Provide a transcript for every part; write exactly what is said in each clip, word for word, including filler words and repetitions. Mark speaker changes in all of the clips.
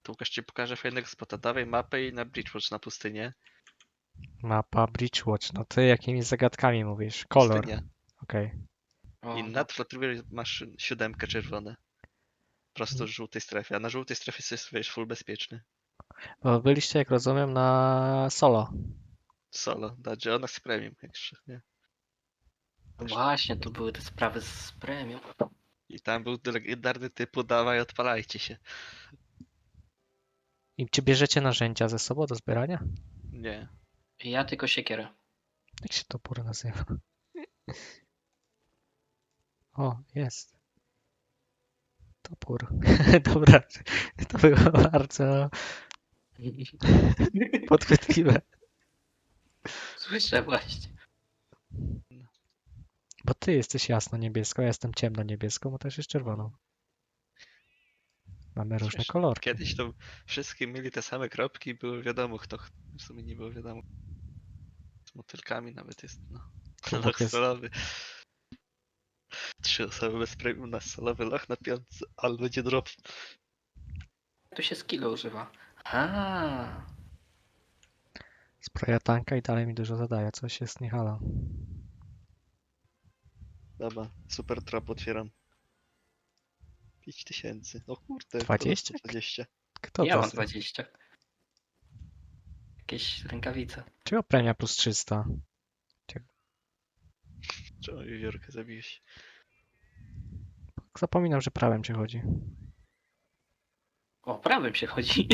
Speaker 1: To Łukasz ci pokaże fajnego spota. Dawaj mapę i na Bridgewatch na pustynię.
Speaker 2: Mapa Bridgewatch. No ty jakimi zagadkami mówisz? Kolor.
Speaker 1: Pustynia.
Speaker 2: Okej.
Speaker 3: O,
Speaker 1: I
Speaker 3: no.
Speaker 1: nad flotriver masz siódemkę czerwone. Prosto w żółtej strefie, a na żółtej strefie jest wiesz, full bezpieczny.
Speaker 2: Bo byliście, jak rozumiem, na solo.
Speaker 1: Solo, dadzie ona z premium jeszcze, nie?
Speaker 3: No właśnie, tu były te sprawy z premium.
Speaker 1: I tam był legendarny typu dawaj, odpalajcie się.
Speaker 2: I czy bierzecie narzędzia ze sobą do zbierania?
Speaker 1: Nie.
Speaker 3: Ja tylko siekierę.
Speaker 2: Jak się topór nazywa? O, jest. Topór. Dobra, to było bardzo podchwytliwe.
Speaker 3: Słyszę właśnie.
Speaker 2: Bo ty jesteś jasno-niebieską, ja jestem ciemno-niebieską, bo też jest czerwoną. Mamy różne
Speaker 1: Wiesz,
Speaker 2: kolorki.
Speaker 1: Kiedyś to wszystkie mieli te same kropki i było wiadomo kto. ch- W sumie nie było wiadomo. Z motylkami nawet jest, no.
Speaker 2: Tu
Speaker 1: Loch
Speaker 2: Bóg jest.
Speaker 1: solowy. Trzy osoby bez premium na solowy loch na piątce, ale będzie drop.
Speaker 3: Tu się skilla używa. A,
Speaker 2: Zbroja tanka i dalej mi dużo zadaje, coś jest nie halo.
Speaker 1: Dobra, super trap otwieram. pięć tysięcy. O kurde,
Speaker 2: dwadzieścia?
Speaker 1: dwadzieścia.
Speaker 2: Kto
Speaker 3: ja
Speaker 2: to
Speaker 3: mam
Speaker 2: jest?
Speaker 3: dwadzieścia. Jakieś rękawice.
Speaker 2: Czego premia plus trzysta?
Speaker 1: Czemu wiewiórkę zabiłeś?
Speaker 2: Zapominam, że prawem cię chodzi.
Speaker 3: O, prawym się chodzi.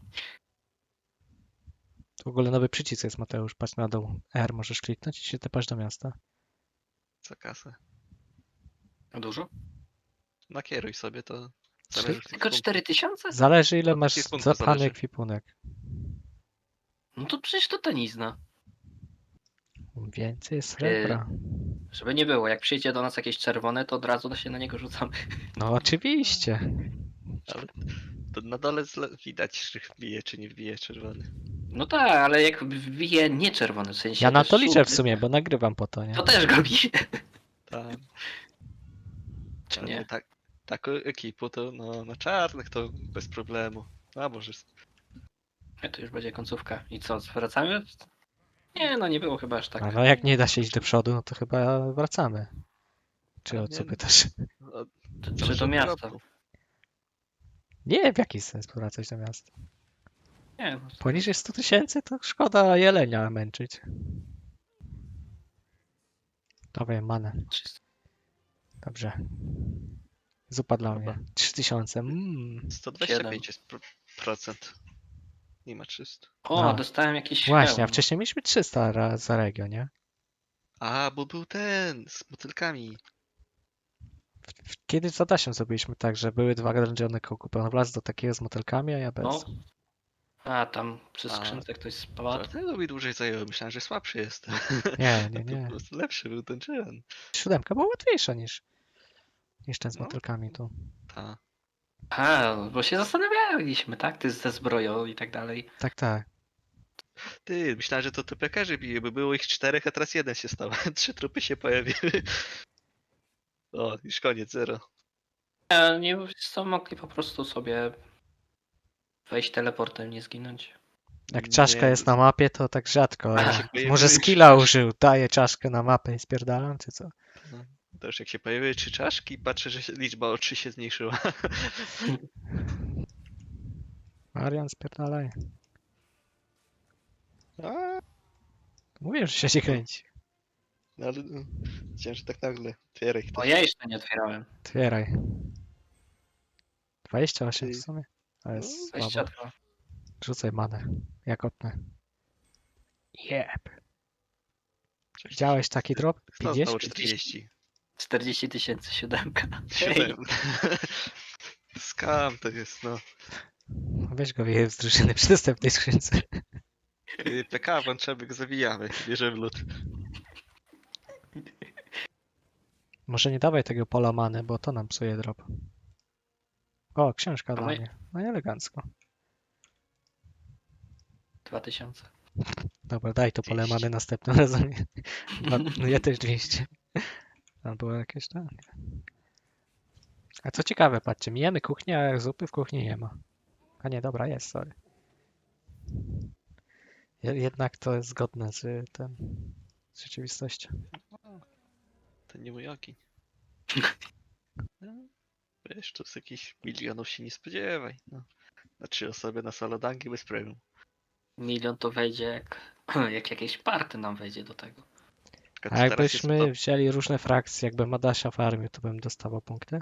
Speaker 2: Tu w ogóle nowy przycisk jest, Mateusz. Patrz na dół. R możesz kliknąć i się tepasz do miasta.
Speaker 1: Za kasę.
Speaker 3: Dużo?
Speaker 1: Nakieruj sobie to.
Speaker 2: Trzy-
Speaker 1: Zależy od
Speaker 3: Tylko
Speaker 1: punktu.
Speaker 3: cztery tysiące?
Speaker 2: Zależy ile
Speaker 1: Od
Speaker 2: masz
Speaker 1: ekwipunku
Speaker 2: zapany
Speaker 1: zależy.
Speaker 2: ekwipunek.
Speaker 3: No to przecież to tanizna.
Speaker 2: Więcej srebra.
Speaker 3: Żeby nie było, jak przyjdzie do nas jakieś czerwone, to od razu się na niego rzucamy.
Speaker 2: No oczywiście.
Speaker 1: Ale to na dole zle- widać, czy wbije, czy nie wbije czerwony.
Speaker 3: No tak, ale jak wbije nie czerwony, w sensie
Speaker 2: Ja na
Speaker 3: też
Speaker 2: to liczę w
Speaker 3: żółty,
Speaker 2: sumie, bo nagrywam po to, nie?
Speaker 3: to też go bije.
Speaker 1: Tak.
Speaker 3: Czy
Speaker 1: Ale
Speaker 3: nie?
Speaker 1: tak, taką ekipą to no, na czarnych to bez problemu. A może.
Speaker 3: Nie, to już będzie końcówka. I co, wracamy? Nie, no nie było chyba aż tak.
Speaker 2: A no jak nie da się iść do przodu, no to chyba wracamy. Czy
Speaker 1: A
Speaker 2: o co
Speaker 1: nie.
Speaker 2: pytasz?
Speaker 1: No,
Speaker 3: Czy, czy
Speaker 1: zależy
Speaker 3: do
Speaker 1: od
Speaker 3: miasta?
Speaker 1: dropu.
Speaker 2: Nie, w jaki sens wracać do miasta?
Speaker 3: Nie, no,
Speaker 2: Poniżej sto tysięcy to szkoda jelenia męczyć. Dawaj manę.
Speaker 3: trzysta.
Speaker 2: Dobrze. Zupa dla
Speaker 1: Dobra.
Speaker 2: mnie. trzy tysiące. Mm.
Speaker 1: sto dwadzieścia pięć jest pro- procent. Nie ma trzysta.
Speaker 3: O,
Speaker 2: A.
Speaker 3: dostałem jakiś
Speaker 2: Właśnie, a
Speaker 3: hełm.
Speaker 2: wcześniej mieliśmy trzysta ra- za regio, nie?
Speaker 1: A, bo był ten z motylkami.
Speaker 2: W- w- Kiedyś z Adasiem zrobiliśmy tak, że były dwa dungeony kupione wlazł do takiego z motylkami, a ja bez.
Speaker 3: No. A, tam przy
Speaker 1: A,
Speaker 3: skrzynce ktoś spadł.
Speaker 1: Dlatego mi dłużej zajęło. Myślałem, że słabszy jest.
Speaker 2: Nie, nie,
Speaker 1: A to
Speaker 2: nie.
Speaker 1: po prostu lepszy był ten czyn.
Speaker 2: Siódemka była łatwiejsza niż, niż ten z
Speaker 1: No.
Speaker 2: motylkami tu.
Speaker 1: Ta.
Speaker 3: A, bo się zastanawialiśmy, tak? Ty ze zbroją i tak dalej.
Speaker 2: Tak, tak.
Speaker 1: Ty, myślałem, że to typekerzy bije, bo było ich czterech, a teraz jeden się stał. Trzy trupy się pojawiły. O, już koniec, zero.
Speaker 3: Nie, nie co, mogli po prostu sobie wejść teleportem, nie zginąć.
Speaker 2: Jak czaszka
Speaker 1: Nie,
Speaker 2: jest na mapie, to tak rzadko.
Speaker 1: Jak
Speaker 2: Ja.
Speaker 1: się pojawiły
Speaker 2: Może
Speaker 1: trzy
Speaker 2: skilla
Speaker 1: czaszki.
Speaker 2: użył, daje czaszkę na mapę i spierdalam, czy co?
Speaker 1: To już jak się pojawiły trzy czaszki, patrzę, że się, liczba o trzy się zmniejszyła.
Speaker 2: Marian, spierdalaj.
Speaker 1: A,
Speaker 2: Mówię, że się nie kręci.
Speaker 1: no ale no, chciałem, że tak nagle. Otwieraj
Speaker 3: Bo
Speaker 1: ktoś.
Speaker 3: ja jeszcze nie otwierałem.
Speaker 2: Otwieraj. dwadzieścia osiem w
Speaker 1: Ty.
Speaker 2: sumie. To jest słabo.
Speaker 3: dwadzieścia dwa.
Speaker 2: Rzucaj manę. Ja kopnę. Jeb.
Speaker 1: Cześć.
Speaker 2: Widziałeś taki drop?
Speaker 1: Kto znowu
Speaker 2: pięćdziesiąt?
Speaker 1: czterdzieści?
Speaker 3: czterdzieści tysięcy, siódemka.
Speaker 1: Siedem. Skam to jest, no.
Speaker 2: Weź go wyjeźdź z drużyny przy następnej skrzynce.
Speaker 1: Ty, P K włączamy, go zawijamy. Bierzemy lód.
Speaker 2: Może nie dawaj tego pola many, bo to nam psuje drop. O, książka
Speaker 3: A
Speaker 2: dla
Speaker 3: my-
Speaker 2: mnie. No i elegancko.
Speaker 3: dwa tysiące.
Speaker 2: Dobra, daj to pole
Speaker 1: dwieście.
Speaker 2: many następnym razem. Dwa- No ja też dwieście. Tam było jakieś tam. A co ciekawe, patrzcie, mijamy kuchnię, a zupy w kuchni nie ma. A nie, dobra, jest, sorry. Je- Jednak to jest zgodne z tym, z rzeczywistością.
Speaker 1: To nie mój ogień. No, wiesz, tu z jakichś milionów się nie spodziewaj. No. Na trzy osoby na solodangi bez premium.
Speaker 3: Milion to wejdzie jak, jak jakieś party nam wejdzie do tego.
Speaker 1: Tylko
Speaker 2: A
Speaker 1: czy teraz jest
Speaker 2: jakbyśmy
Speaker 1: to...
Speaker 2: wzięli różne frakcje, jakbym Adasia farmił, to bym dostawał punkty?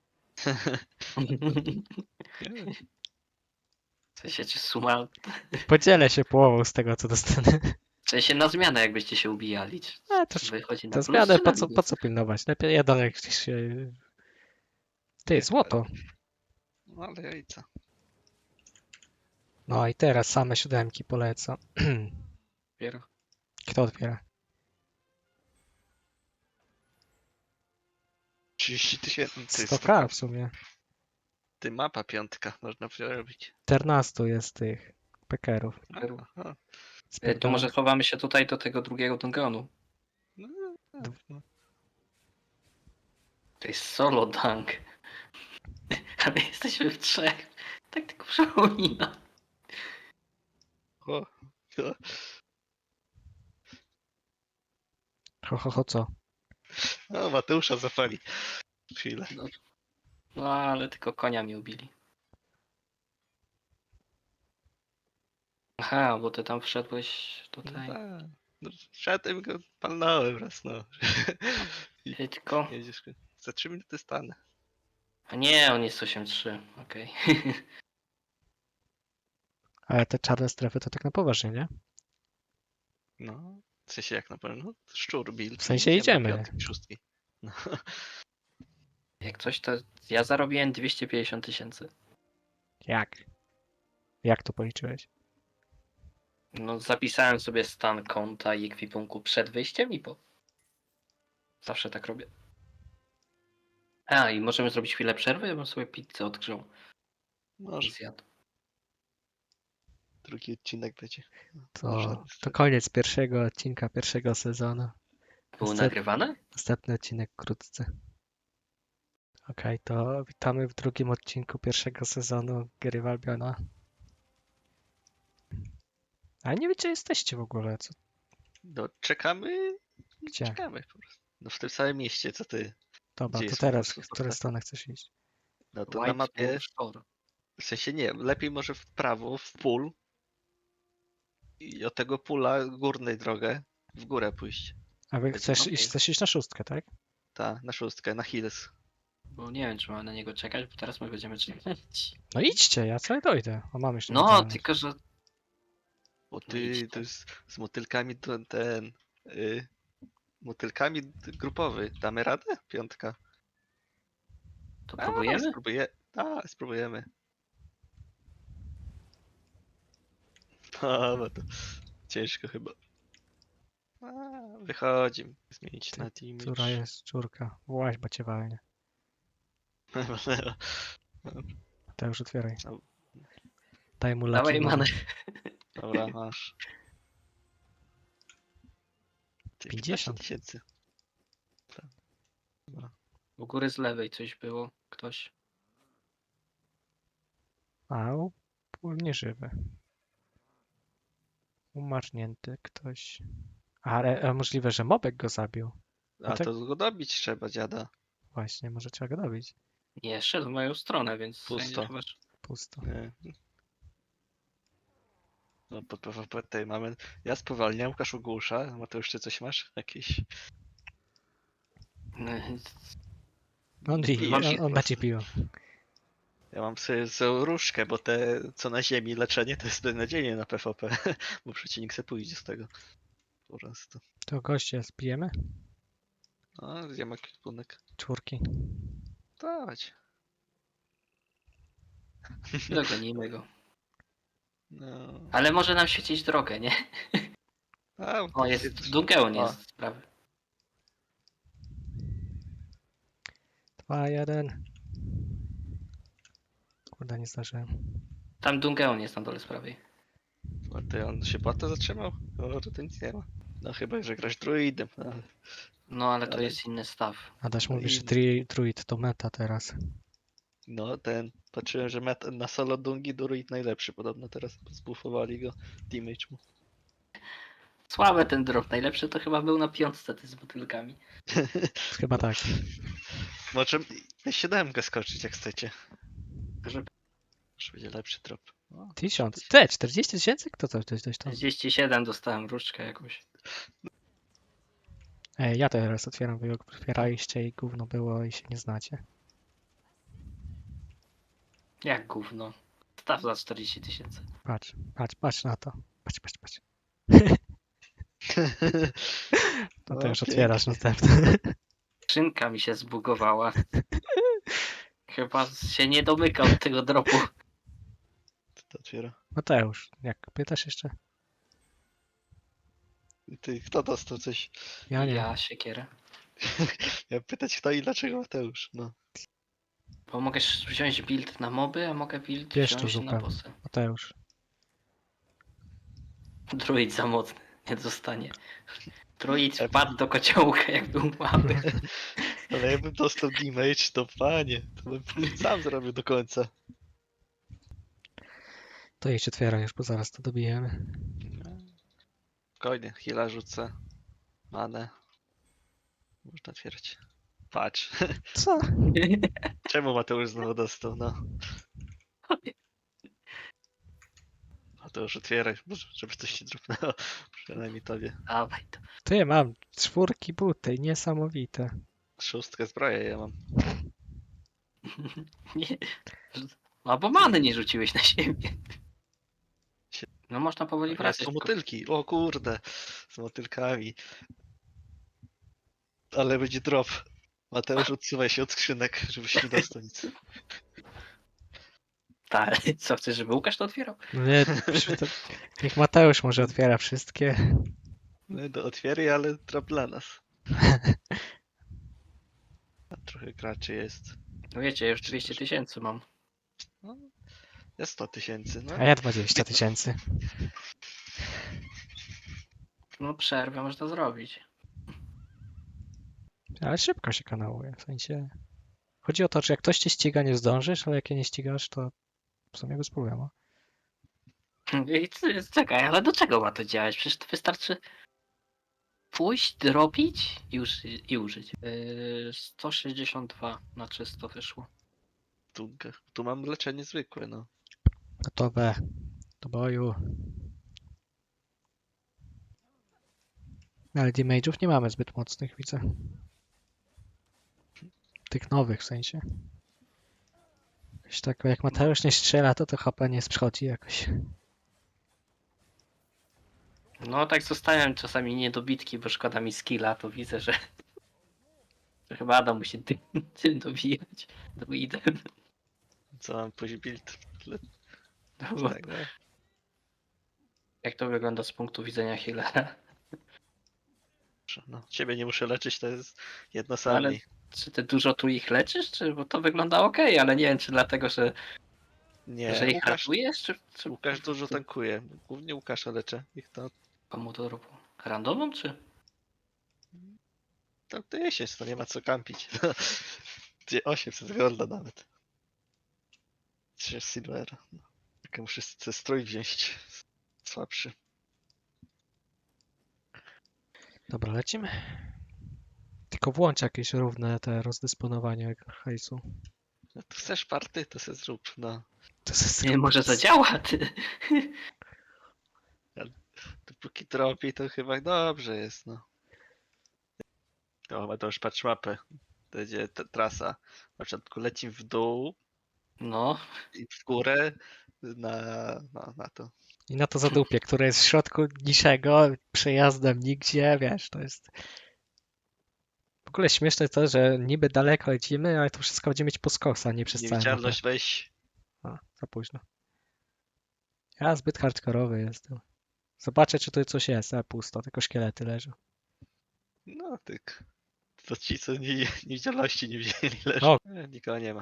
Speaker 1: Nie,
Speaker 3: W sensie, czy suma...
Speaker 2: Podzielę się połową z tego, co dostanę.
Speaker 3: W sensie na zmianę, jakbyście się ubijali. Czy
Speaker 2: A, to,
Speaker 3: wychodzi na
Speaker 2: to
Speaker 3: plus,
Speaker 2: zmianę,
Speaker 3: czy
Speaker 2: po
Speaker 3: na
Speaker 2: co, po
Speaker 3: minus?
Speaker 2: co pilnować? Lepiej jeden jak się... Ty,
Speaker 1: nie,
Speaker 2: złoto.
Speaker 1: No ale jajca.
Speaker 2: No i teraz same siódemki polecam.
Speaker 3: Dopiero.
Speaker 2: Kto otwiera?
Speaker 1: trzydzieści tysięcy. To jest
Speaker 2: sto ka w sumie.
Speaker 1: Ty mapa piątka, można przerobić.
Speaker 2: czternaście jest tych pekerów.
Speaker 1: Aha.
Speaker 3: E, To może chowamy się tutaj do tego drugiego dunganu.
Speaker 1: No, no.
Speaker 3: To jest solo dunk. Ale jesteśmy w trzech. Tak tylko przypomina.
Speaker 1: O, o.
Speaker 2: Ho, ho, ho, co?
Speaker 1: O, Mateusza zapali. Chwilę.
Speaker 3: No, no ale tylko konia mi ubili. Aha, bo ty tam wszedłeś
Speaker 1: No
Speaker 3: tutaj.
Speaker 1: tak. No, szedłem go, palnąłem raz, no. I
Speaker 3: Ej, tylko...
Speaker 1: jedziesz. Za trzy minuty stanę.
Speaker 3: A nie, on jest osiem trzy. Okej.
Speaker 2: Ale te czarne strefy to tak na poważnie, nie?
Speaker 1: No. W sensie jak na pewno? Szczur, build.
Speaker 2: W sensie
Speaker 1: i
Speaker 2: idziemy.
Speaker 1: Piątki, szóstki. No.
Speaker 3: Jak coś, to ja zarobiłem dwieście pięćdziesiąt tysięcy.
Speaker 2: Jak? Jak to policzyłeś?
Speaker 3: No, zapisałem sobie stan konta i ekwipunku przed wyjściem i po. Zawsze tak robię. A, i możemy zrobić chwilę przerwy? Ja bym sobie pizzę odgrzał i
Speaker 1: Może
Speaker 3: zjadł.
Speaker 1: drugi odcinek będzie.
Speaker 2: To,
Speaker 1: Można.
Speaker 2: to koniec pierwszego odcinka pierwszego sezonu.
Speaker 3: Było
Speaker 2: Następ-
Speaker 3: nagrywane?
Speaker 2: Następny odcinek wkrótce. Okej, to witamy w drugim odcinku pierwszego sezonu Gry Walbiona. Ale nie wiem, gdzie jesteście w ogóle. Co?
Speaker 1: No, czekamy.
Speaker 2: Gdzie?
Speaker 1: Czekamy po prostu. No w tym samym mieście, co ty.
Speaker 2: Dobra,
Speaker 1: Gdzie
Speaker 2: to
Speaker 1: jest
Speaker 2: teraz,
Speaker 1: po
Speaker 2: w
Speaker 1: prostu
Speaker 2: którą
Speaker 1: ta-
Speaker 2: stronę chcesz iść?
Speaker 1: No to na
Speaker 3: White
Speaker 1: mapie,
Speaker 3: Wolf Shore.
Speaker 1: w sensie nie, lepiej może w prawo, w pól i od tego pula górnej drogę w górę pójść.
Speaker 2: A wy chcesz
Speaker 3: okej.
Speaker 2: iść, chcesz iść na szóstkę, tak?
Speaker 1: Ta, na szóstkę, na hills.
Speaker 3: Bo nie wiem, czy mamy na niego czekać, bo teraz my będziemy czekać.
Speaker 2: No idźcie, ja sobie dojdę. O, mam jeszcze
Speaker 3: No,
Speaker 2: mentalność.
Speaker 3: tylko że...
Speaker 1: Bo
Speaker 3: No
Speaker 1: ty,
Speaker 3: idźcie.
Speaker 1: to jest z motylkami to ten, y, motylkami d- grupowy. Damy radę? Piątka.
Speaker 3: To
Speaker 1: A,
Speaker 3: próbujemy?
Speaker 1: Spróbuję, a, spróbujemy. A, no to ciężko chyba. A, wychodzi. Zmienić
Speaker 2: Ty,
Speaker 1: na team.
Speaker 2: Która jest czurka? Właź, bo cię walnie. To już otwieraj.
Speaker 1: No.
Speaker 2: Daj mu
Speaker 3: Dawaj
Speaker 2: laki
Speaker 3: manę.
Speaker 1: Dobra, masz. Ty,
Speaker 2: pięćdziesiąt.
Speaker 1: tysięcy. Tak. Dobra.
Speaker 3: U góry z lewej coś było. Ktoś.
Speaker 2: A, u- pól nieżywy. Umarznięty ktoś. Ale a możliwe, że mobek go zabił.
Speaker 1: A
Speaker 2: tak-
Speaker 1: to go dobić trzeba, dziada.
Speaker 2: Właśnie, może trzeba go dobić.
Speaker 3: Nie, szedł w moją stronę, więc...
Speaker 1: Pusto.
Speaker 3: chyba, że-
Speaker 2: Pusto.
Speaker 1: Nie. No pod P V P tutaj mamy. Ja spowalniam, Łukasz ogłusza. Mateusz, ty coś masz? Jakieś.
Speaker 2: On,
Speaker 1: Piję
Speaker 2: on,
Speaker 1: się
Speaker 2: on
Speaker 1: po
Speaker 2: da ci
Speaker 1: prostu.
Speaker 2: piwo.
Speaker 1: Ja mam sobie sobie różkę, bo te co na ziemi leczenie to jest beznadziejnie na P V P. Bo przeciwnik se pójdzie z tego. Po prostu.
Speaker 2: To goście spijemy?
Speaker 1: A, gdzie ma kwipunek?
Speaker 2: Czwórki.
Speaker 1: Dawać.
Speaker 3: Dogonimy go.
Speaker 1: No.
Speaker 3: Ale może nam świecić drogę, nie?
Speaker 1: A,
Speaker 3: O, jest Dungeon
Speaker 1: O.
Speaker 3: jest sprawy.
Speaker 2: Dwa, jeden. Kurde, nie zdążyłem.
Speaker 3: Tam Dungeon jest na dole z prawej.
Speaker 1: A ty on się bata zatrzymał? O, to nic nie ma. No chyba, że grasz druidem. No, ale-
Speaker 3: No ale to
Speaker 1: Ale-
Speaker 3: jest inny staw.
Speaker 2: Adaś
Speaker 1: No
Speaker 2: mówi,
Speaker 1: i-
Speaker 2: że tri- druid to meta teraz.
Speaker 1: no ten. Patrzyłem, że met na solo Dungi Druid najlepszy podobno teraz. Zbufowali go. Damage mu.
Speaker 3: Słaby ten drop. Najlepszy to chyba był na piątce ty z butelkami.
Speaker 2: Chyba tak.
Speaker 1: Może siódemkę skoczyć jak chcecie.
Speaker 3: Żeby
Speaker 1: Może będzie lepszy drop. O,
Speaker 2: Tysiąc. Te, czterdzieści tysięcy? Kto to ktoś coś tam?
Speaker 3: czterdzieści siedem dostałem różdżkę jakąś.
Speaker 2: Ej, ja teraz otwieram, wy ją otwieraliście i gówno było i się nie znacie.
Speaker 3: Jak gówno. Staw za czterdzieści tysięcy.
Speaker 2: Patrz, patrz, patrz na to. Patrz, patrz, patrz. No to
Speaker 1: O,
Speaker 2: już
Speaker 1: pięknie.
Speaker 2: otwierasz następny.
Speaker 3: Skrzynka mi się zbugowała. Chyba się nie domyka od tego dropu.
Speaker 1: Co to otwiera?
Speaker 2: Mateusz, jak pytasz jeszcze?
Speaker 1: Ty, kto dostał coś?
Speaker 2: Ja nie.
Speaker 3: Ja siekierę.
Speaker 1: Ja pytać kto i dlaczego Mateusz. No.
Speaker 3: Bo mogę wziąć build na moby, a mogę build
Speaker 2: Wiesz to,
Speaker 3: wziąć na
Speaker 2: Zuka.
Speaker 3: bossy.
Speaker 2: Mateusz.
Speaker 3: Druid za mocny. Nie dostanie. Druid wpadł do kociołka jak był mały.
Speaker 1: Ale jakbym dostał damage, to panie, to bym sam zrobił do końca.
Speaker 2: To idź otwieraj już, bo zaraz to dobijemy.
Speaker 1: Spokojnie, heala rzucę. Manę. Można otwierać. Patrz.
Speaker 2: Co?
Speaker 1: Czemu Mateusz znowu dostał, no? Mateusz otwieraj, może- żeby coś nie drobnęło. Przynajmniej tobie.
Speaker 3: Dawaj to.
Speaker 2: Ty, mam czwórki buty, niesamowite.
Speaker 1: Szóstkę zbroję ja mam.
Speaker 3: Nie. A bo many nie rzuciłeś na siebie. No można powoli
Speaker 1: Ja
Speaker 3: wracać.
Speaker 1: są
Speaker 3: tylko-
Speaker 1: motylki, o kurde. Z motylkami. Ale będzie drop. Mateusz, odsuwaj się od skrzynek, żebyś nie dostał nic.
Speaker 3: Tak, co chcesz, żeby Łukasz to otwierał?
Speaker 2: No nie, przy to... Niech Mateusz może otwiera wszystkie.
Speaker 1: No do otwieraj, ale drop dla nas. A trochę graczy jest.
Speaker 3: No wiecie, ja już dwieście tysięcy mam.
Speaker 1: No, jest sto tysięcy, no.
Speaker 2: A ja dwadzieścia tysięcy.
Speaker 3: No przerwę można zrobić.
Speaker 2: Ale szybko się kanałuje, w sensie... Chodzi o to, że jak ktoś cię ściga, nie zdążysz, ale jak je nie ścigasz, to w sumie bez problemu.
Speaker 3: I c- czekaj, ale do czego ma to działać? Przecież to wystarczy pójść, drobić i, uży i użyć. Yy, sto sześćdziesiąt dwa na czysto wyszło.
Speaker 1: Tu, tu mam leczenie zwykłe, no.
Speaker 2: Gotowe. Do boju. Ale damage'ów nie mamy zbyt mocnych, widzę. Tych nowych w sensie. Jakoś tak, jak Mateusz nie strzela, to to H P nie schodzi jakoś.
Speaker 3: No tak zostają czasami niedobitki, bo szkoda mi skilla, to widzę, że, że chyba Adam musi tym, tym dobijać. Druidem.
Speaker 1: Co mam później build?
Speaker 3: Bo
Speaker 1: Tak, no.
Speaker 3: jak to wygląda z punktu widzenia healera?
Speaker 1: No, ciebie nie muszę leczyć, to jest jedno
Speaker 3: Ale
Speaker 1: sami.
Speaker 3: czy ty dużo tu ich leczysz? Czy, bo to wygląda ok, ale nie wiem, czy dlatego, że,
Speaker 1: Nie,
Speaker 3: że ich
Speaker 1: Łukasz,
Speaker 3: ratujesz, czy, czy
Speaker 1: Łukasz dużo tankuje. Głównie Łukasza leczę. Ich to,
Speaker 3: komu to robią? Randomą, czy?
Speaker 1: to, to jesień, to nie ma co kampić. Gdzie osiemset golda nawet. trzy silvera. No. Tylko muszę sobie strój wziąć. Słabszy.
Speaker 2: Dobra, lecimy. Tylko włącz jakieś równe te rozdysponowanie hajsu.
Speaker 1: No to chcesz party, to se zrób. No.
Speaker 2: To jest
Speaker 3: Nie, może zadziała, ty.
Speaker 1: Dopóki tropi, to chyba dobrze jest, no. To, to już patrz mapę. To będzie ta trasa. Na początku leci w dół
Speaker 3: No,
Speaker 1: i w górę na, na, na to.
Speaker 2: I na to zadupie, które jest w środku niczego, przejazdem nigdzie, wiesz, to jest... W ogóle śmieszne jest to, że niby daleko lecimy, ale to wszystko będziemy mieć po skosa, nie przez całą mapę.
Speaker 1: Niewidzialność weź.
Speaker 2: A, za późno. Ja zbyt hardkorowy jestem. Zobaczę, czy tu coś jest, a pusto, tylko szkielety leżą.
Speaker 1: No tyk. To ci, co nie, niewidzialności nie wzięli, leży.
Speaker 2: O.
Speaker 1: E, nikogo nie ma.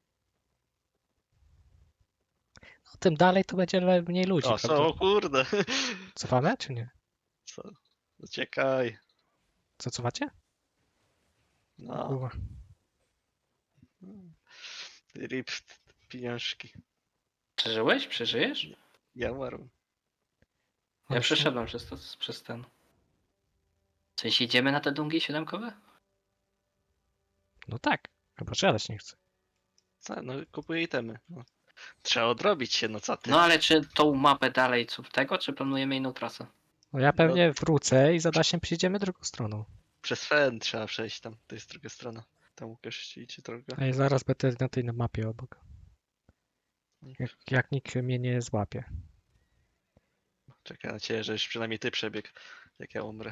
Speaker 2: No, tym dalej to będzie le- mniej ludzi,
Speaker 1: O,
Speaker 2: prawda?
Speaker 1: są, o kurde.
Speaker 2: Cofamy, czy nie?
Speaker 1: Co? Uciekaj.
Speaker 2: Co, cofacie?
Speaker 1: No.
Speaker 2: Kurwa.
Speaker 1: Rip pieniążki.
Speaker 3: Przeżyłeś? Przeżyjesz?
Speaker 1: Ja umarłem.
Speaker 3: Ja
Speaker 2: Ale
Speaker 3: przeszedłem przez, to, przez ten. W sensie idziemy na te dungi siódemkowe?
Speaker 2: No tak, chyba siadać nie chcę.
Speaker 1: Co? No kupuję itemy. No. Trzeba odrobić się, no co ty?
Speaker 3: No ale czy tą mapę dalej co tego, czy planujemy inną trasę?
Speaker 2: No ja pewnie wrócę i za Dasiem przyjdziemy drugą stroną.
Speaker 1: Przez Fen trzeba przejść tam, to jest druga strona. Tam Łukasz idzie drogę.
Speaker 2: A ja zaraz będę na tej mapie obok. Jak, jak nikt mnie nie złapie.
Speaker 1: Czekaj na ciebie, że już przynajmniej ty przebieg, jak ja umrę.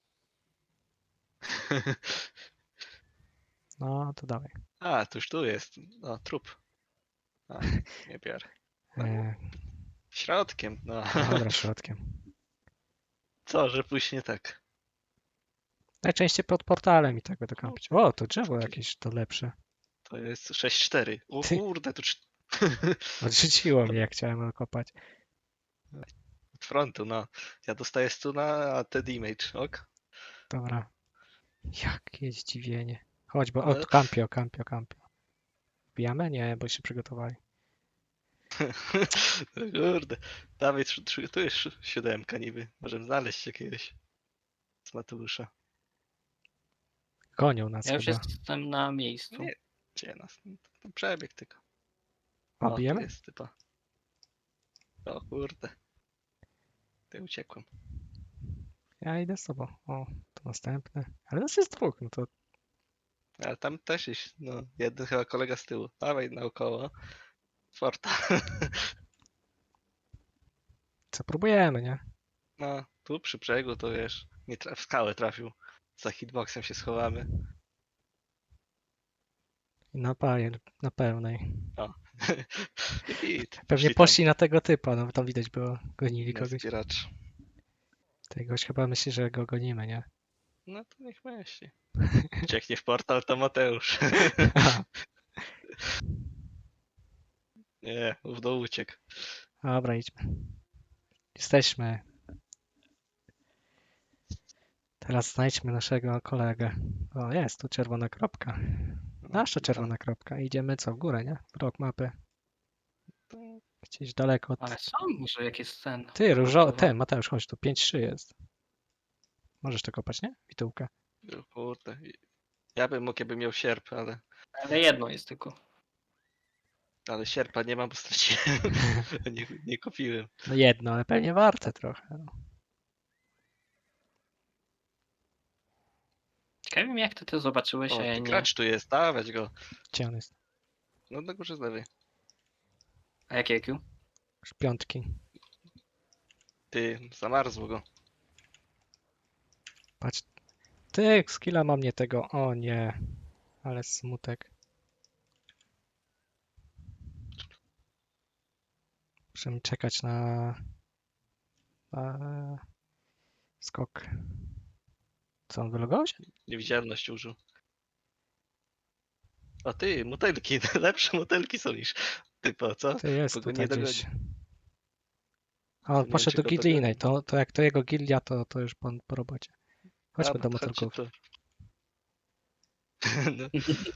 Speaker 2: No to dawaj.
Speaker 1: A, to już tu jest. No, trup. A, nie biorę.
Speaker 2: E,
Speaker 1: Środkiem, no.
Speaker 2: dobra, środkiem.
Speaker 1: Co, że pójść nie tak.
Speaker 2: Najczęściej pod portalem i tak będę kampić. O, to drzewo jakieś to lepsze.
Speaker 1: To jest sześć cztery. O
Speaker 2: Ty.
Speaker 1: kurde, to cz-
Speaker 2: Odrzuciło mnie, jak chciałem kopać.
Speaker 1: od frontu, no. Ja dostaję stuna, a ty damage, ok?
Speaker 2: Dobra. Jakie zdziwienie. Chodź, bo
Speaker 1: Ale-
Speaker 2: o, kampio, kampio, kampio. Wbijamy? Nie, bo się przygotowali.
Speaker 1: Kurde. Dawaj, tr- tr- tu jest si- siódemka niby. Możemy znaleźć jakiegoś z Mateusza.
Speaker 2: Gonią nas
Speaker 3: Ja już
Speaker 2: chyba.
Speaker 3: jestem na miejscu.
Speaker 1: Nie. Gdzie nas? No, to przebieg tylko.
Speaker 2: O,
Speaker 1: O, tu
Speaker 2: bijemy?
Speaker 1: jest typa. O kurde. Ty uciekłem.
Speaker 2: Ja idę z tobą. O, to następny. Ale nas jest dwóch, no to
Speaker 1: Ale tam też jest, no, jeden chyba kolega z tyłu. Dawaj naokoło. Forta.
Speaker 2: co próbujemy, nie?
Speaker 1: No, tu przy brzegu to wiesz, nie tra- w skałę trafił. Za hitboxem się schowamy.
Speaker 2: I na, paje, na pełnej.
Speaker 1: I hit.
Speaker 2: Pewnie
Speaker 1: tam
Speaker 2: poszli na tego typa, no bo tam widać było, gonili
Speaker 1: na
Speaker 2: kogoś.
Speaker 1: zbieracz.
Speaker 2: Ten gość chyba myśli, że go gonimy, nie?
Speaker 1: No to niech myśli. Ucieknie w portal, to Mateusz. Nie, w dół uciekł.
Speaker 2: Dobra, idźmy. Jesteśmy. Teraz znajdźmy naszego kolegę. O, jest tu czerwona kropka.
Speaker 1: No,
Speaker 2: Nasza
Speaker 1: i
Speaker 2: czerwona kropka. Idziemy co, w górę, nie? W rok mapy.
Speaker 1: tam-
Speaker 2: Gdzieś daleko od...
Speaker 3: Ale są może jakieś ten.
Speaker 2: Ty, różo...
Speaker 3: Kurczę,
Speaker 2: Ten, Mateusz, chodź tu. pięć trzy jest. Możesz to kopać, nie? Witułkę.
Speaker 1: O kurde. Ja bym mógł, jakbym miał sierp, ale,
Speaker 3: Ale jedno jest tylko.
Speaker 1: ale sierpa nie mam, bo straciłem. nie, nie kupiłem.
Speaker 2: No jedno, ale pewnie warte trochę. No.
Speaker 3: Ciekawe mnie jak ty to zobaczyłeś,
Speaker 1: O,
Speaker 3: a ja
Speaker 1: tu
Speaker 3: nie.
Speaker 1: gracz tu jest, dawać go.
Speaker 2: Gdzie on jest?
Speaker 1: No na górze z lewej.
Speaker 3: A jakie I Q?
Speaker 2: Już piątki.
Speaker 1: Ty, zamarzło go.
Speaker 2: Patrz. Ty, skilla mam nie tego. O nie. Ale smutek. Muszę mi czekać na... na... skok. Co, on wylogował się?
Speaker 1: Niewidzialność użył. O ty, motelki, lepsze motelki są niż typo, co?
Speaker 2: Ty jest
Speaker 1: Bo go
Speaker 2: tutaj
Speaker 1: nie dogoni.
Speaker 2: gdzieś. A on
Speaker 1: Nie
Speaker 2: poszedł
Speaker 1: wiem,
Speaker 2: do
Speaker 1: czy go
Speaker 2: gildii
Speaker 1: dogoni.
Speaker 2: innej. To, to jak to jego gildia, to, to już po, po robocie. Chodźmy
Speaker 1: Dobra,
Speaker 2: do
Speaker 1: to chodźcie
Speaker 2: motorków.
Speaker 1: tu. No.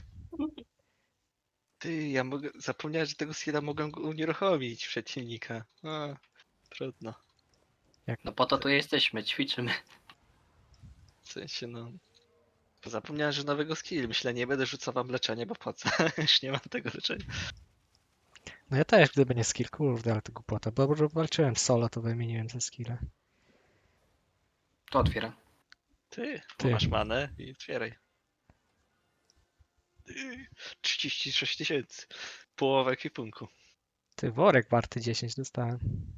Speaker 1: Ty, ja mogę, zapomniałem, że tego skilla mogę go unieruchomić przeciwnika. A, trudno.
Speaker 3: No po to tu jesteśmy, ćwiczymy.
Speaker 1: W sensie, no... Bo zapomniałem, że nowego skill. Myślę, nie będę rzucał wam leczenie, bo po co? Już nie mam tego leczenia.
Speaker 2: No ja też, gdyby nie skill, kurde, ale to głupota. Bo bo walczyłem solo, to wymieniłem ze skille.
Speaker 3: To otwieram.
Speaker 1: Ty,
Speaker 2: Ty.
Speaker 1: masz manę i otwieraj. Ty, trzydzieści sześć tysięcy. Połowa ekwipunku.
Speaker 2: Ty, worek warty dziesięć dostałem.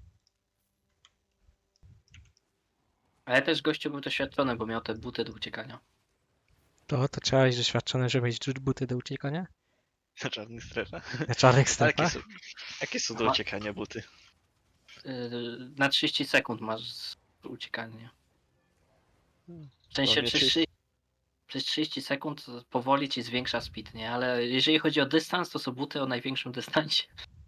Speaker 3: Ale też gościu był doświadczony, bo miał te buty do uciekania.
Speaker 2: To, to trzeba być doświadczony, żeby mieć buty do uciekania?
Speaker 1: Na czarnych strefach.
Speaker 2: Na czarnych
Speaker 1: A jakie
Speaker 2: strefach?
Speaker 1: są, jakie są do
Speaker 3: Aha.
Speaker 1: uciekania buty?
Speaker 3: Yy, na trzydzieści sekund masz z- uciekanie.
Speaker 1: Hmm.
Speaker 3: W sensie
Speaker 1: Dla mnie
Speaker 3: przez
Speaker 1: trzydzieści
Speaker 3: trzydzieści, przez trzydzieści sekund powoli ci zwiększa speed, nie? Ale jeżeli chodzi o dystans, to są buty o największym dystansie.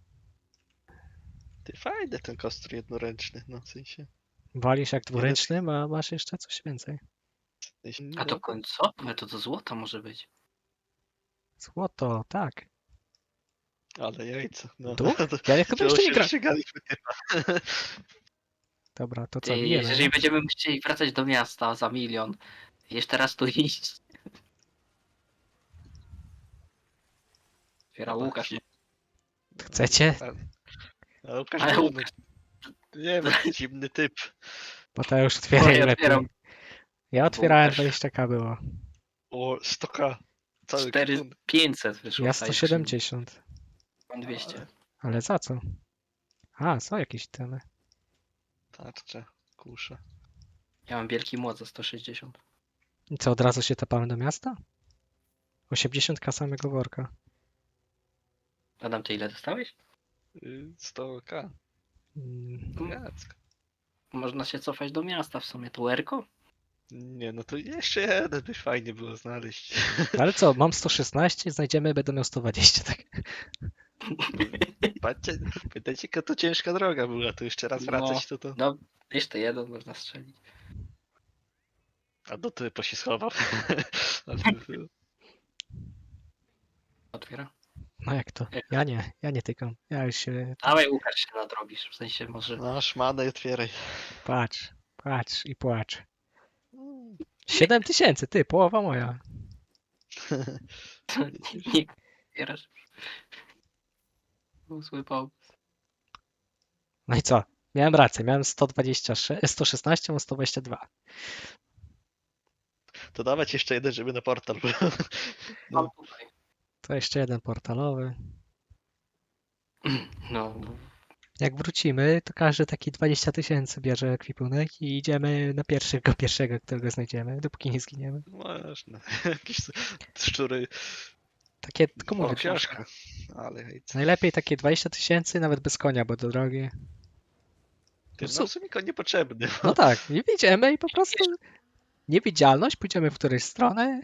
Speaker 1: Ty, fajny ten kostur jednoręczny, no w sensie.
Speaker 2: Walisz jak dwuręcznym, a masz jeszcze coś więcej.
Speaker 1: W sensie
Speaker 3: A to końcowe, to do złota może być.
Speaker 2: Złoto, tak.
Speaker 1: Ale jajca. No.
Speaker 2: Tu? Ja chyba jeszcze nie gra.
Speaker 1: Ścigaliśmy typa.
Speaker 2: Dobra, to co,
Speaker 3: Ty,
Speaker 2: bijemy?
Speaker 3: jeżeli będziemy chcieli wracać do miasta za milion, jeszcze raz tu iść. Otwiera
Speaker 1: Dobra,
Speaker 3: Łukasz.
Speaker 1: si-
Speaker 2: Chcecie?
Speaker 1: A, a Łukasz
Speaker 3: Ale
Speaker 1: był,
Speaker 3: Łukasz,
Speaker 1: no, nie wiem, zimny typ.
Speaker 2: Bo to już
Speaker 3: no,
Speaker 2: otwieraj
Speaker 3: ja
Speaker 2: lepiej.
Speaker 3: otwieram
Speaker 2: Ja otwierałem
Speaker 3: Łukasz.
Speaker 2: dwadzieścia k było.
Speaker 1: O, sto ka. Cały
Speaker 3: cztery
Speaker 1: kwitun.
Speaker 3: pięćset wyszło.
Speaker 2: Ja
Speaker 3: w tej
Speaker 2: sto siedemdziesiąt.
Speaker 3: skrzyni. Mam dwieście.
Speaker 2: Ale za co? A, są jakieś temy.
Speaker 1: Tarcze, kusze.
Speaker 3: Ja mam wielki młot za sto sześćdziesiąt.
Speaker 2: I co, od razu się tapamy do miasta? osiemdziesiąt k samego worka.
Speaker 3: Adam, ty ile dostałeś?
Speaker 1: Y, sto ka.
Speaker 2: Mm,
Speaker 1: Jacek.
Speaker 3: Można się cofać do miasta w sumie. To Erko?
Speaker 1: Nie, no to jeszcze jeden by fajnie było znaleźć.
Speaker 2: Ale co, mam sto szesnaście, znajdziemy, będę miał sto dwadzieścia, tak?
Speaker 1: Patrzcie, pamiętajcie, jaka to ciężka droga była, to jeszcze raz wracać, to to...
Speaker 3: No, jeszcze jeden można strzelić.
Speaker 1: A do typu się schował. Ale by było.
Speaker 3: Otwiera.
Speaker 2: No jak to? Ja nie, ja nie tykam. Ja już się...
Speaker 3: Dawaj, Łukasz, się nadrobisz. W sensie może...
Speaker 1: No, szmanę i otwieraj.
Speaker 2: Patrz, patrz i płacz. siedem tysięcy, ty, połowa moja.
Speaker 3: nie otwierasz. Był zły pomysł.
Speaker 2: No i co? Miałem rację, miałem sto dwadzieścia sześć, sto szesnaście, mam sto dwadzieścia dwa.
Speaker 1: To dawać jeszcze jeden, żeby na portal był.
Speaker 3: Mam tutaj.
Speaker 2: To jeszcze jeden portalowy.
Speaker 3: No, no.
Speaker 2: Jak wrócimy, to każdy taki dwadzieścia tysięcy bierze ekwipunek i idziemy na pierwszego, pierwszego, którego znajdziemy, dopóki nie zginiemy.
Speaker 1: Można. Jakieś szczury.
Speaker 2: Takie, tylko
Speaker 1: O,
Speaker 2: mówię,
Speaker 1: książka. Ale hej.
Speaker 2: najlepiej takie dwadzieścia tysięcy, nawet bez konia, bo to drogie.
Speaker 1: Ty,
Speaker 2: No
Speaker 1: no w sumie go niepotrzebny.
Speaker 2: No tak, i wyjdziemy i po prostu niewidzialność, pójdziemy w którejś stronę.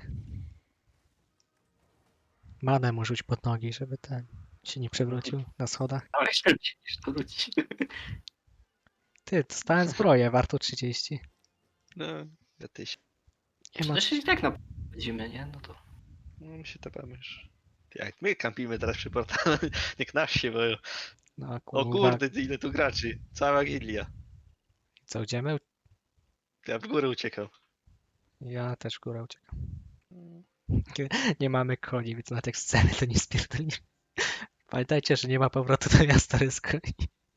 Speaker 2: Manę mu rzuć pod nogi, żeby ten się nie przewrócił na schodach.
Speaker 3: Ale jeszcze niż to wróci.
Speaker 2: Ty, dostałem zbroję, warto trzydzieści.
Speaker 1: No, ja tyś.
Speaker 2: Nie ma...
Speaker 3: Zresztą i tak na będziemy, nie? No to...
Speaker 1: No my się tapamy już. Jak my kampimy teraz przy portalu, niech nas się boją.
Speaker 2: No
Speaker 1: O
Speaker 2: kurwa,
Speaker 1: kurde, ile tu graczy. Cała gilia.
Speaker 2: co, idziemy?
Speaker 1: Ja w górę uciekał.
Speaker 2: Ja też w górę uciekam. Nie mamy koni, więc na tych sceny to nie spierdolimy. Pamiętajcie, że nie ma powrotu do miasta bez koni.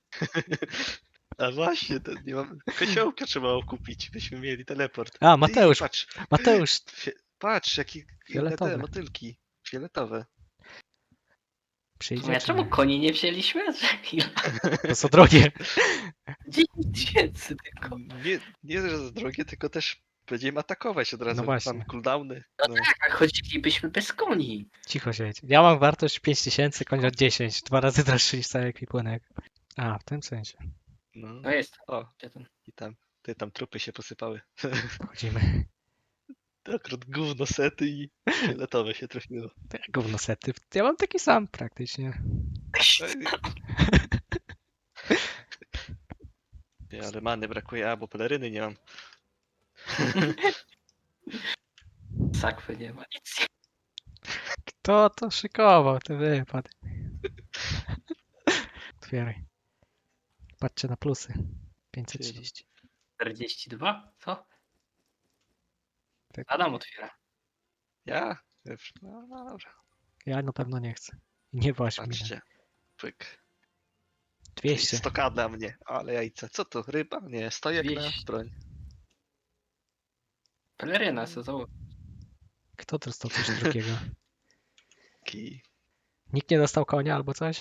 Speaker 1: A właśnie, to nie mam... Kosiołka trzeba kupić, byśmy mieli teleport.
Speaker 2: A, Mateusz,
Speaker 1: I patrz,
Speaker 2: Mateusz,
Speaker 1: fie... patrz, jakie inne
Speaker 2: Fioletowe.
Speaker 1: te motylki. Fioletowe.
Speaker 2: przyjdzie.
Speaker 3: Ja
Speaker 2: czy
Speaker 3: czemu
Speaker 2: nie?
Speaker 3: koni nie wzięliśmy? Ile?
Speaker 2: To są drogie.
Speaker 3: dziesięć tysięcy tylko.
Speaker 1: Nie, nie, że za drogie, tylko też będziemy atakować od razu.
Speaker 2: No właśnie.
Speaker 1: Mam cooldowny. No.
Speaker 3: Tak, a chodzilibyśmy bez koni.
Speaker 2: Cicho siedź. Ja mam wartość pięć tysięcy, koń od dziesięć. Dwa razy droższy niż cały ekwipunek. A, w tym sensie.
Speaker 1: No.
Speaker 3: No jest.
Speaker 1: O,
Speaker 3: Gdzie ten?
Speaker 1: i tam, ty tam trupy się posypały.
Speaker 2: Wchodzimy.
Speaker 1: Akurat gówno sety i fioletowe się trafiło.
Speaker 2: To jak gówno sety. Ja mam taki sam praktycznie.
Speaker 1: Nie, ale many brakuje, a bo peleryny nie mam.
Speaker 3: Sakwy nie ma nic.
Speaker 2: Kto to szykował? Ty wypad. Otwieraj. Patrzcie na plusy. pięćset trzydzieści.
Speaker 3: czterdzieści dwa? Co?
Speaker 2: Tak.
Speaker 3: Adam otwiera.
Speaker 1: Ja? No, no dobra.
Speaker 2: Ja na pewno nie chcę. Nie właśnie mnie.
Speaker 1: Patrzcie. Pyk.
Speaker 2: dwieście.
Speaker 1: sto ka dla mnie. Ale jajce. Co to? Ryba? Nie, stojek na
Speaker 3: dwieście.
Speaker 1: broń.
Speaker 3: Peleryna sezonowa.
Speaker 2: Kto dostał coś drugiego?
Speaker 1: Kij.
Speaker 2: Nikt nie dostał konia albo coś?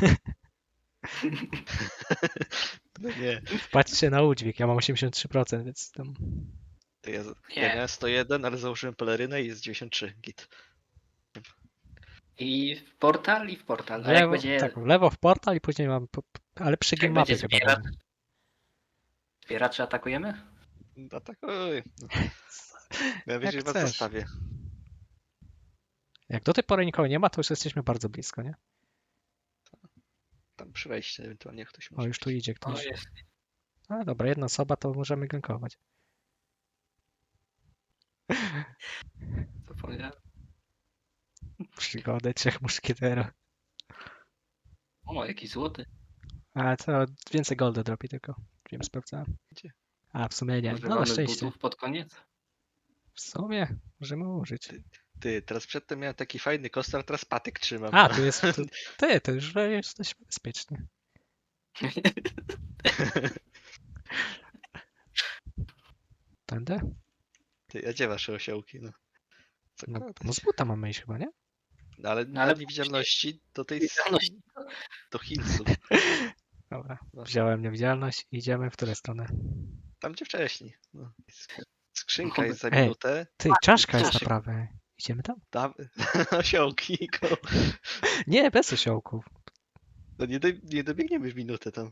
Speaker 1: No nie.
Speaker 2: Patrzcie na udźwig, ja mam osiemdziesiąt trzy procent, więc tam...
Speaker 1: To ja,
Speaker 3: Nie.
Speaker 1: ja miałem sto jeden, ale założyłem pelerynę i jest dziewięćdziesiąt trzy. Git.
Speaker 3: I w portal, i w portal.
Speaker 2: W
Speaker 3: A jak
Speaker 2: lewo,
Speaker 3: będzie,
Speaker 2: tak, w lewo w portal i później mam... Po, ale przy
Speaker 3: jak
Speaker 2: game mapie
Speaker 3: będzie
Speaker 2: chyba
Speaker 3: zbieracz,
Speaker 2: będę.
Speaker 3: zbieraczy atakujemy?
Speaker 1: Atakuj. No. Ja
Speaker 2: Jak
Speaker 1: wiecie, was
Speaker 2: chcesz.
Speaker 1: zostawię.
Speaker 2: Jak do tej pory nikogo nie ma, to już jesteśmy bardzo blisko, nie?
Speaker 1: Tam przy wejściu ewentualnie ktoś
Speaker 2: O,
Speaker 1: może.
Speaker 2: już tu idzie
Speaker 3: O,
Speaker 2: ktoś.
Speaker 3: jest.
Speaker 2: A dobra, jedna osoba, to możemy gankować.
Speaker 3: Zapomniałem.
Speaker 2: Przygody trzech muszkieterów.
Speaker 3: O, jaki złoty.
Speaker 2: A to więcej golda dropi tylko. Wiem, sprawdzałem.
Speaker 1: Gdzie?
Speaker 2: A, w sumie nie. No na
Speaker 3: Używamy
Speaker 2: szczęście.
Speaker 3: butów pod koniec.
Speaker 2: W sumie możemy użyć.
Speaker 1: Ty, teraz przedtem miałem taki fajny kostar, teraz patyk trzymam.
Speaker 2: A,
Speaker 1: no.
Speaker 2: tu jest... Tu, ty, to już jesteśmy bezpieczni. Tędy?
Speaker 1: Ty, a gdzie wasze osiołki? No, co
Speaker 2: No,
Speaker 1: kradać?
Speaker 2: no z buta mamy iść chyba, nie?
Speaker 1: No, ale
Speaker 3: No,
Speaker 1: na
Speaker 3: ale
Speaker 1: niewidzialności do tej...
Speaker 3: Niewidzialność.
Speaker 1: do Hillsów.
Speaker 2: Dobra,
Speaker 1: No.
Speaker 2: wziąłem niewidzialność i idziemy w którą stronę.
Speaker 1: Tam gdzie wcześniej. No. Skrzynka
Speaker 3: No,
Speaker 1: jest za
Speaker 2: ej.
Speaker 1: minutę.
Speaker 2: Ty, czaszka jest na
Speaker 3: czaszek.
Speaker 2: prawej. Idziemy tam?
Speaker 1: Tam... osiołki. Go.
Speaker 2: Nie, bez osiołków.
Speaker 1: No nie, do, nie dobiegniemy w minutę tam.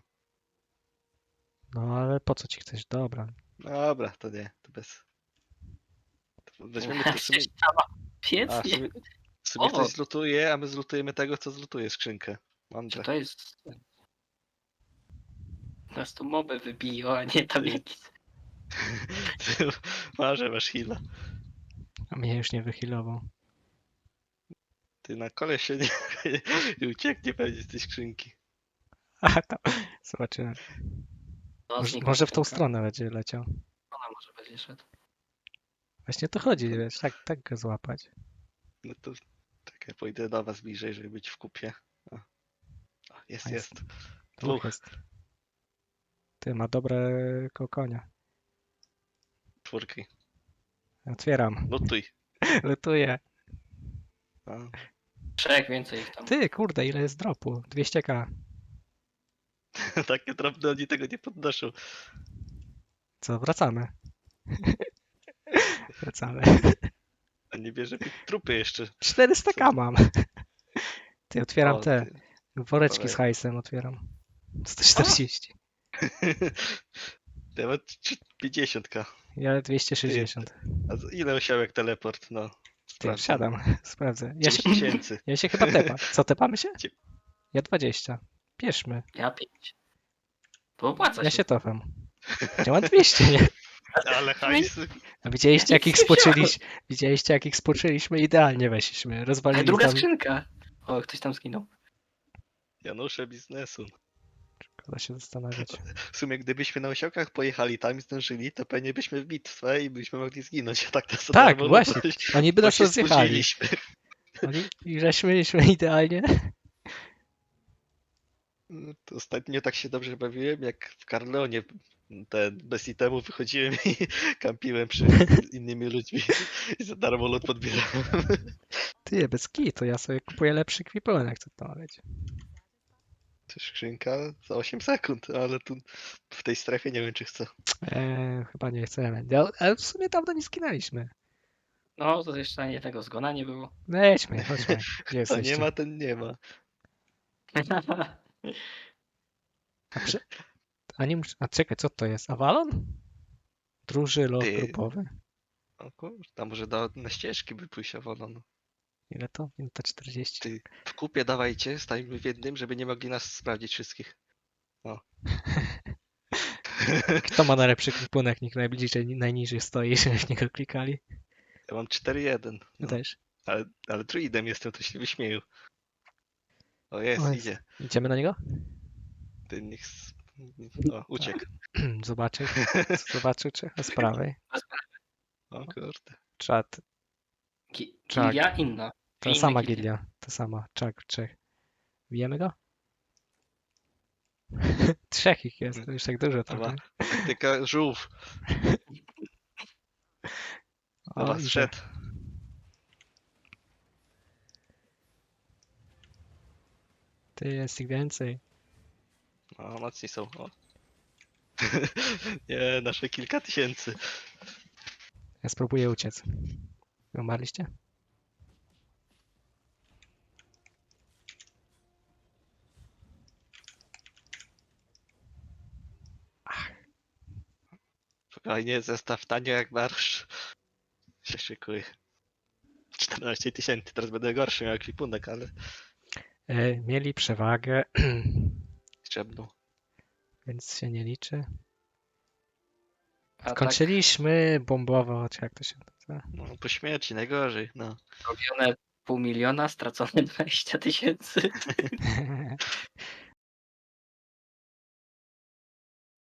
Speaker 2: No ale po co ci chcesz? Dobra.
Speaker 1: Dobra, to nie, to bez. To weźmiemy to w sumie.
Speaker 3: Ściana.
Speaker 1: A, w
Speaker 3: Pięknie.
Speaker 1: sumie, w sumie
Speaker 3: O.
Speaker 1: ktoś zlutuje, a my zlutujemy tego, co zlutuje skrzynkę.
Speaker 3: Czy
Speaker 1: Mądre.
Speaker 3: to jest... Nas tu moby wybiją, a nie tabliki.
Speaker 1: Marzę, masz heala.
Speaker 2: A mnie już nie wychylował.
Speaker 1: Ty na kole się nie, nie ucieknie pewnie z tej skrzynki.
Speaker 2: A tam, zobaczymy.
Speaker 3: No,
Speaker 2: Może,
Speaker 3: znikła
Speaker 2: może w tą
Speaker 3: skrzynka.
Speaker 2: stronę będzie leciał.
Speaker 3: Ona może będzie szedł.
Speaker 2: Właśnie to chodzi, wiesz, tak, tak go złapać.
Speaker 1: No to czekaj, pójdę do was bliżej, żeby być w kupie. O. O, jest,
Speaker 2: A jest.
Speaker 1: jest.
Speaker 2: Tu
Speaker 1: Dwóch.
Speaker 2: jest. Ty, ma dobre kokonia.
Speaker 1: Czwórki.
Speaker 2: Otwieram.
Speaker 1: Lutuj.
Speaker 2: Lutuję.
Speaker 1: A,
Speaker 3: Trzech więcej ich tam.
Speaker 2: Ty, kurde, ile jest dropu? dwieście ka.
Speaker 1: takie drobne oni tego nie podnoszą.
Speaker 2: Co, wracamy. Wracamy.
Speaker 1: A nie bierze mi trupy jeszcze.
Speaker 2: czterysta ka mam. Ty, otwieram
Speaker 1: O,
Speaker 2: te
Speaker 1: ty.
Speaker 2: woreczki z
Speaker 1: Dawaj.
Speaker 2: hajsem, otwieram. sto czterdzieści.
Speaker 1: Ja mam pięćdziesiąt ka.
Speaker 2: Ja dwieście sześćdziesiąt.
Speaker 1: A za ile osiołek teleport? No.
Speaker 2: Ty,
Speaker 1: sprawdzam.
Speaker 2: wsiadam. Sprawdzę. Ja się,
Speaker 1: dziesięć tysięcy.
Speaker 2: ja się chyba tepa. Co, tepamy się?
Speaker 1: Cie-
Speaker 2: Ja dwadzieścia. Bierzmy.
Speaker 3: Ja pięć. To opłaca
Speaker 2: Ja
Speaker 3: się.
Speaker 2: się tofam. Ja mam dwieście, nie?
Speaker 1: Ale hajs.
Speaker 2: A widzieliście jak ich
Speaker 3: Nic nie
Speaker 2: spoczyliśmy? Widzieliście jak ich spoczyliśmy? Idealnie weszliśmy.
Speaker 3: Ale
Speaker 2: Rozwalili
Speaker 3: druga
Speaker 2: tam.
Speaker 3: skrzynka. O, ktoś tam zginął.
Speaker 1: Janusze biznesu.
Speaker 2: Szkoda się zastanawiać.
Speaker 1: W sumie gdybyśmy na osiołkach pojechali tam i zdążyli, to pewnie byśmy w bitwę i byśmy mogli zginąć. Tak, to
Speaker 2: Tak,
Speaker 1: darmo,
Speaker 2: właśnie.
Speaker 1: bo się-
Speaker 2: Oni by
Speaker 1: bo
Speaker 2: nas
Speaker 1: się
Speaker 2: rozjechali.
Speaker 1: spóźniliśmy.
Speaker 2: Oni, I żeśmy mieliśmy idealnie.
Speaker 1: To ostatnio tak się dobrze bawiłem, jak w Carleonie ten, bez itemu wychodziłem i kampiłem przy innymi ludźmi i za darmo lot podbierałem.
Speaker 2: Ty, bez to ja sobie kupuję lepszy kwipunek, co to ma być.
Speaker 1: To skrzynka za osiem sekund, ale tu w tej strefie nie wiem czy chcę.
Speaker 2: Eee, chyba nie chcemy. Ja- Ale w sumie dawno nie skinęliśmy.
Speaker 3: No, to jeszcze ani jednego zgona nie było.
Speaker 2: Lećmy, chodźmy. Gdzie
Speaker 1: To
Speaker 2: jesteście?
Speaker 1: nie ma, ten nie ma.
Speaker 2: A, przy... A, nie mus... A czekaj, co to jest? Avalon? Druży lot
Speaker 1: Ty.
Speaker 2: grupowy.
Speaker 1: O kurde, tam może do, na ścieżki by pójść Avalon.
Speaker 2: Ile to? Minuta czterdzieści.
Speaker 1: Ty, w kupie dawajcie, stajmy w jednym, żeby nie mogli nas sprawdzić wszystkich. O.
Speaker 2: Kto ma najlepszy kwipunek? Nikt najbliżej, najniżej stoi, żeby w niego klikali.
Speaker 1: Ja mam cztery jeden.
Speaker 2: Ja
Speaker 1: No.
Speaker 2: też.
Speaker 1: Ale, ale druidem jestem, to się wyśmieju. O jest,
Speaker 2: O, jest.
Speaker 1: idzie.
Speaker 2: Idziemy na niego?
Speaker 1: Ty niech... s- O, uciekł.
Speaker 2: Zobaczył. Zobaczył, czy z prawej.
Speaker 1: O kurde.
Speaker 2: Czat.
Speaker 3: Gi-
Speaker 2: Tak.
Speaker 3: Gilia inna.
Speaker 2: Ta
Speaker 3: Inne
Speaker 2: sama
Speaker 3: gilie.
Speaker 2: gilia. Ta sama. Czak, trzech. Bijemy go? Trzech ich jest, to już tak dużo
Speaker 1: Dobra.
Speaker 2: trochę.
Speaker 1: Taktyka żółw.
Speaker 2: O,
Speaker 1: Dobra,
Speaker 2: idzie.
Speaker 1: zszedł.
Speaker 2: Ty, jest ich więcej.
Speaker 1: O, mocni są. O. Nie, nasze kilka tysięcy.
Speaker 2: Ja spróbuję uciec. Wy umarliście?
Speaker 1: Spokojnie, zestaw tanio jak marsz. Się szykuje. czternaście tysięcy, teraz będę gorszy miał ekwipunek, ale
Speaker 2: E, mieli przewagę,
Speaker 1: liczebną.
Speaker 2: więc się nie liczy.
Speaker 3: A
Speaker 2: Skończyliśmy bombowo, czy jak to się nazywa?
Speaker 1: No, po śmierci najgorzej, no.
Speaker 3: tak robione pół miliona, stracone dwadzieścia tysięcy.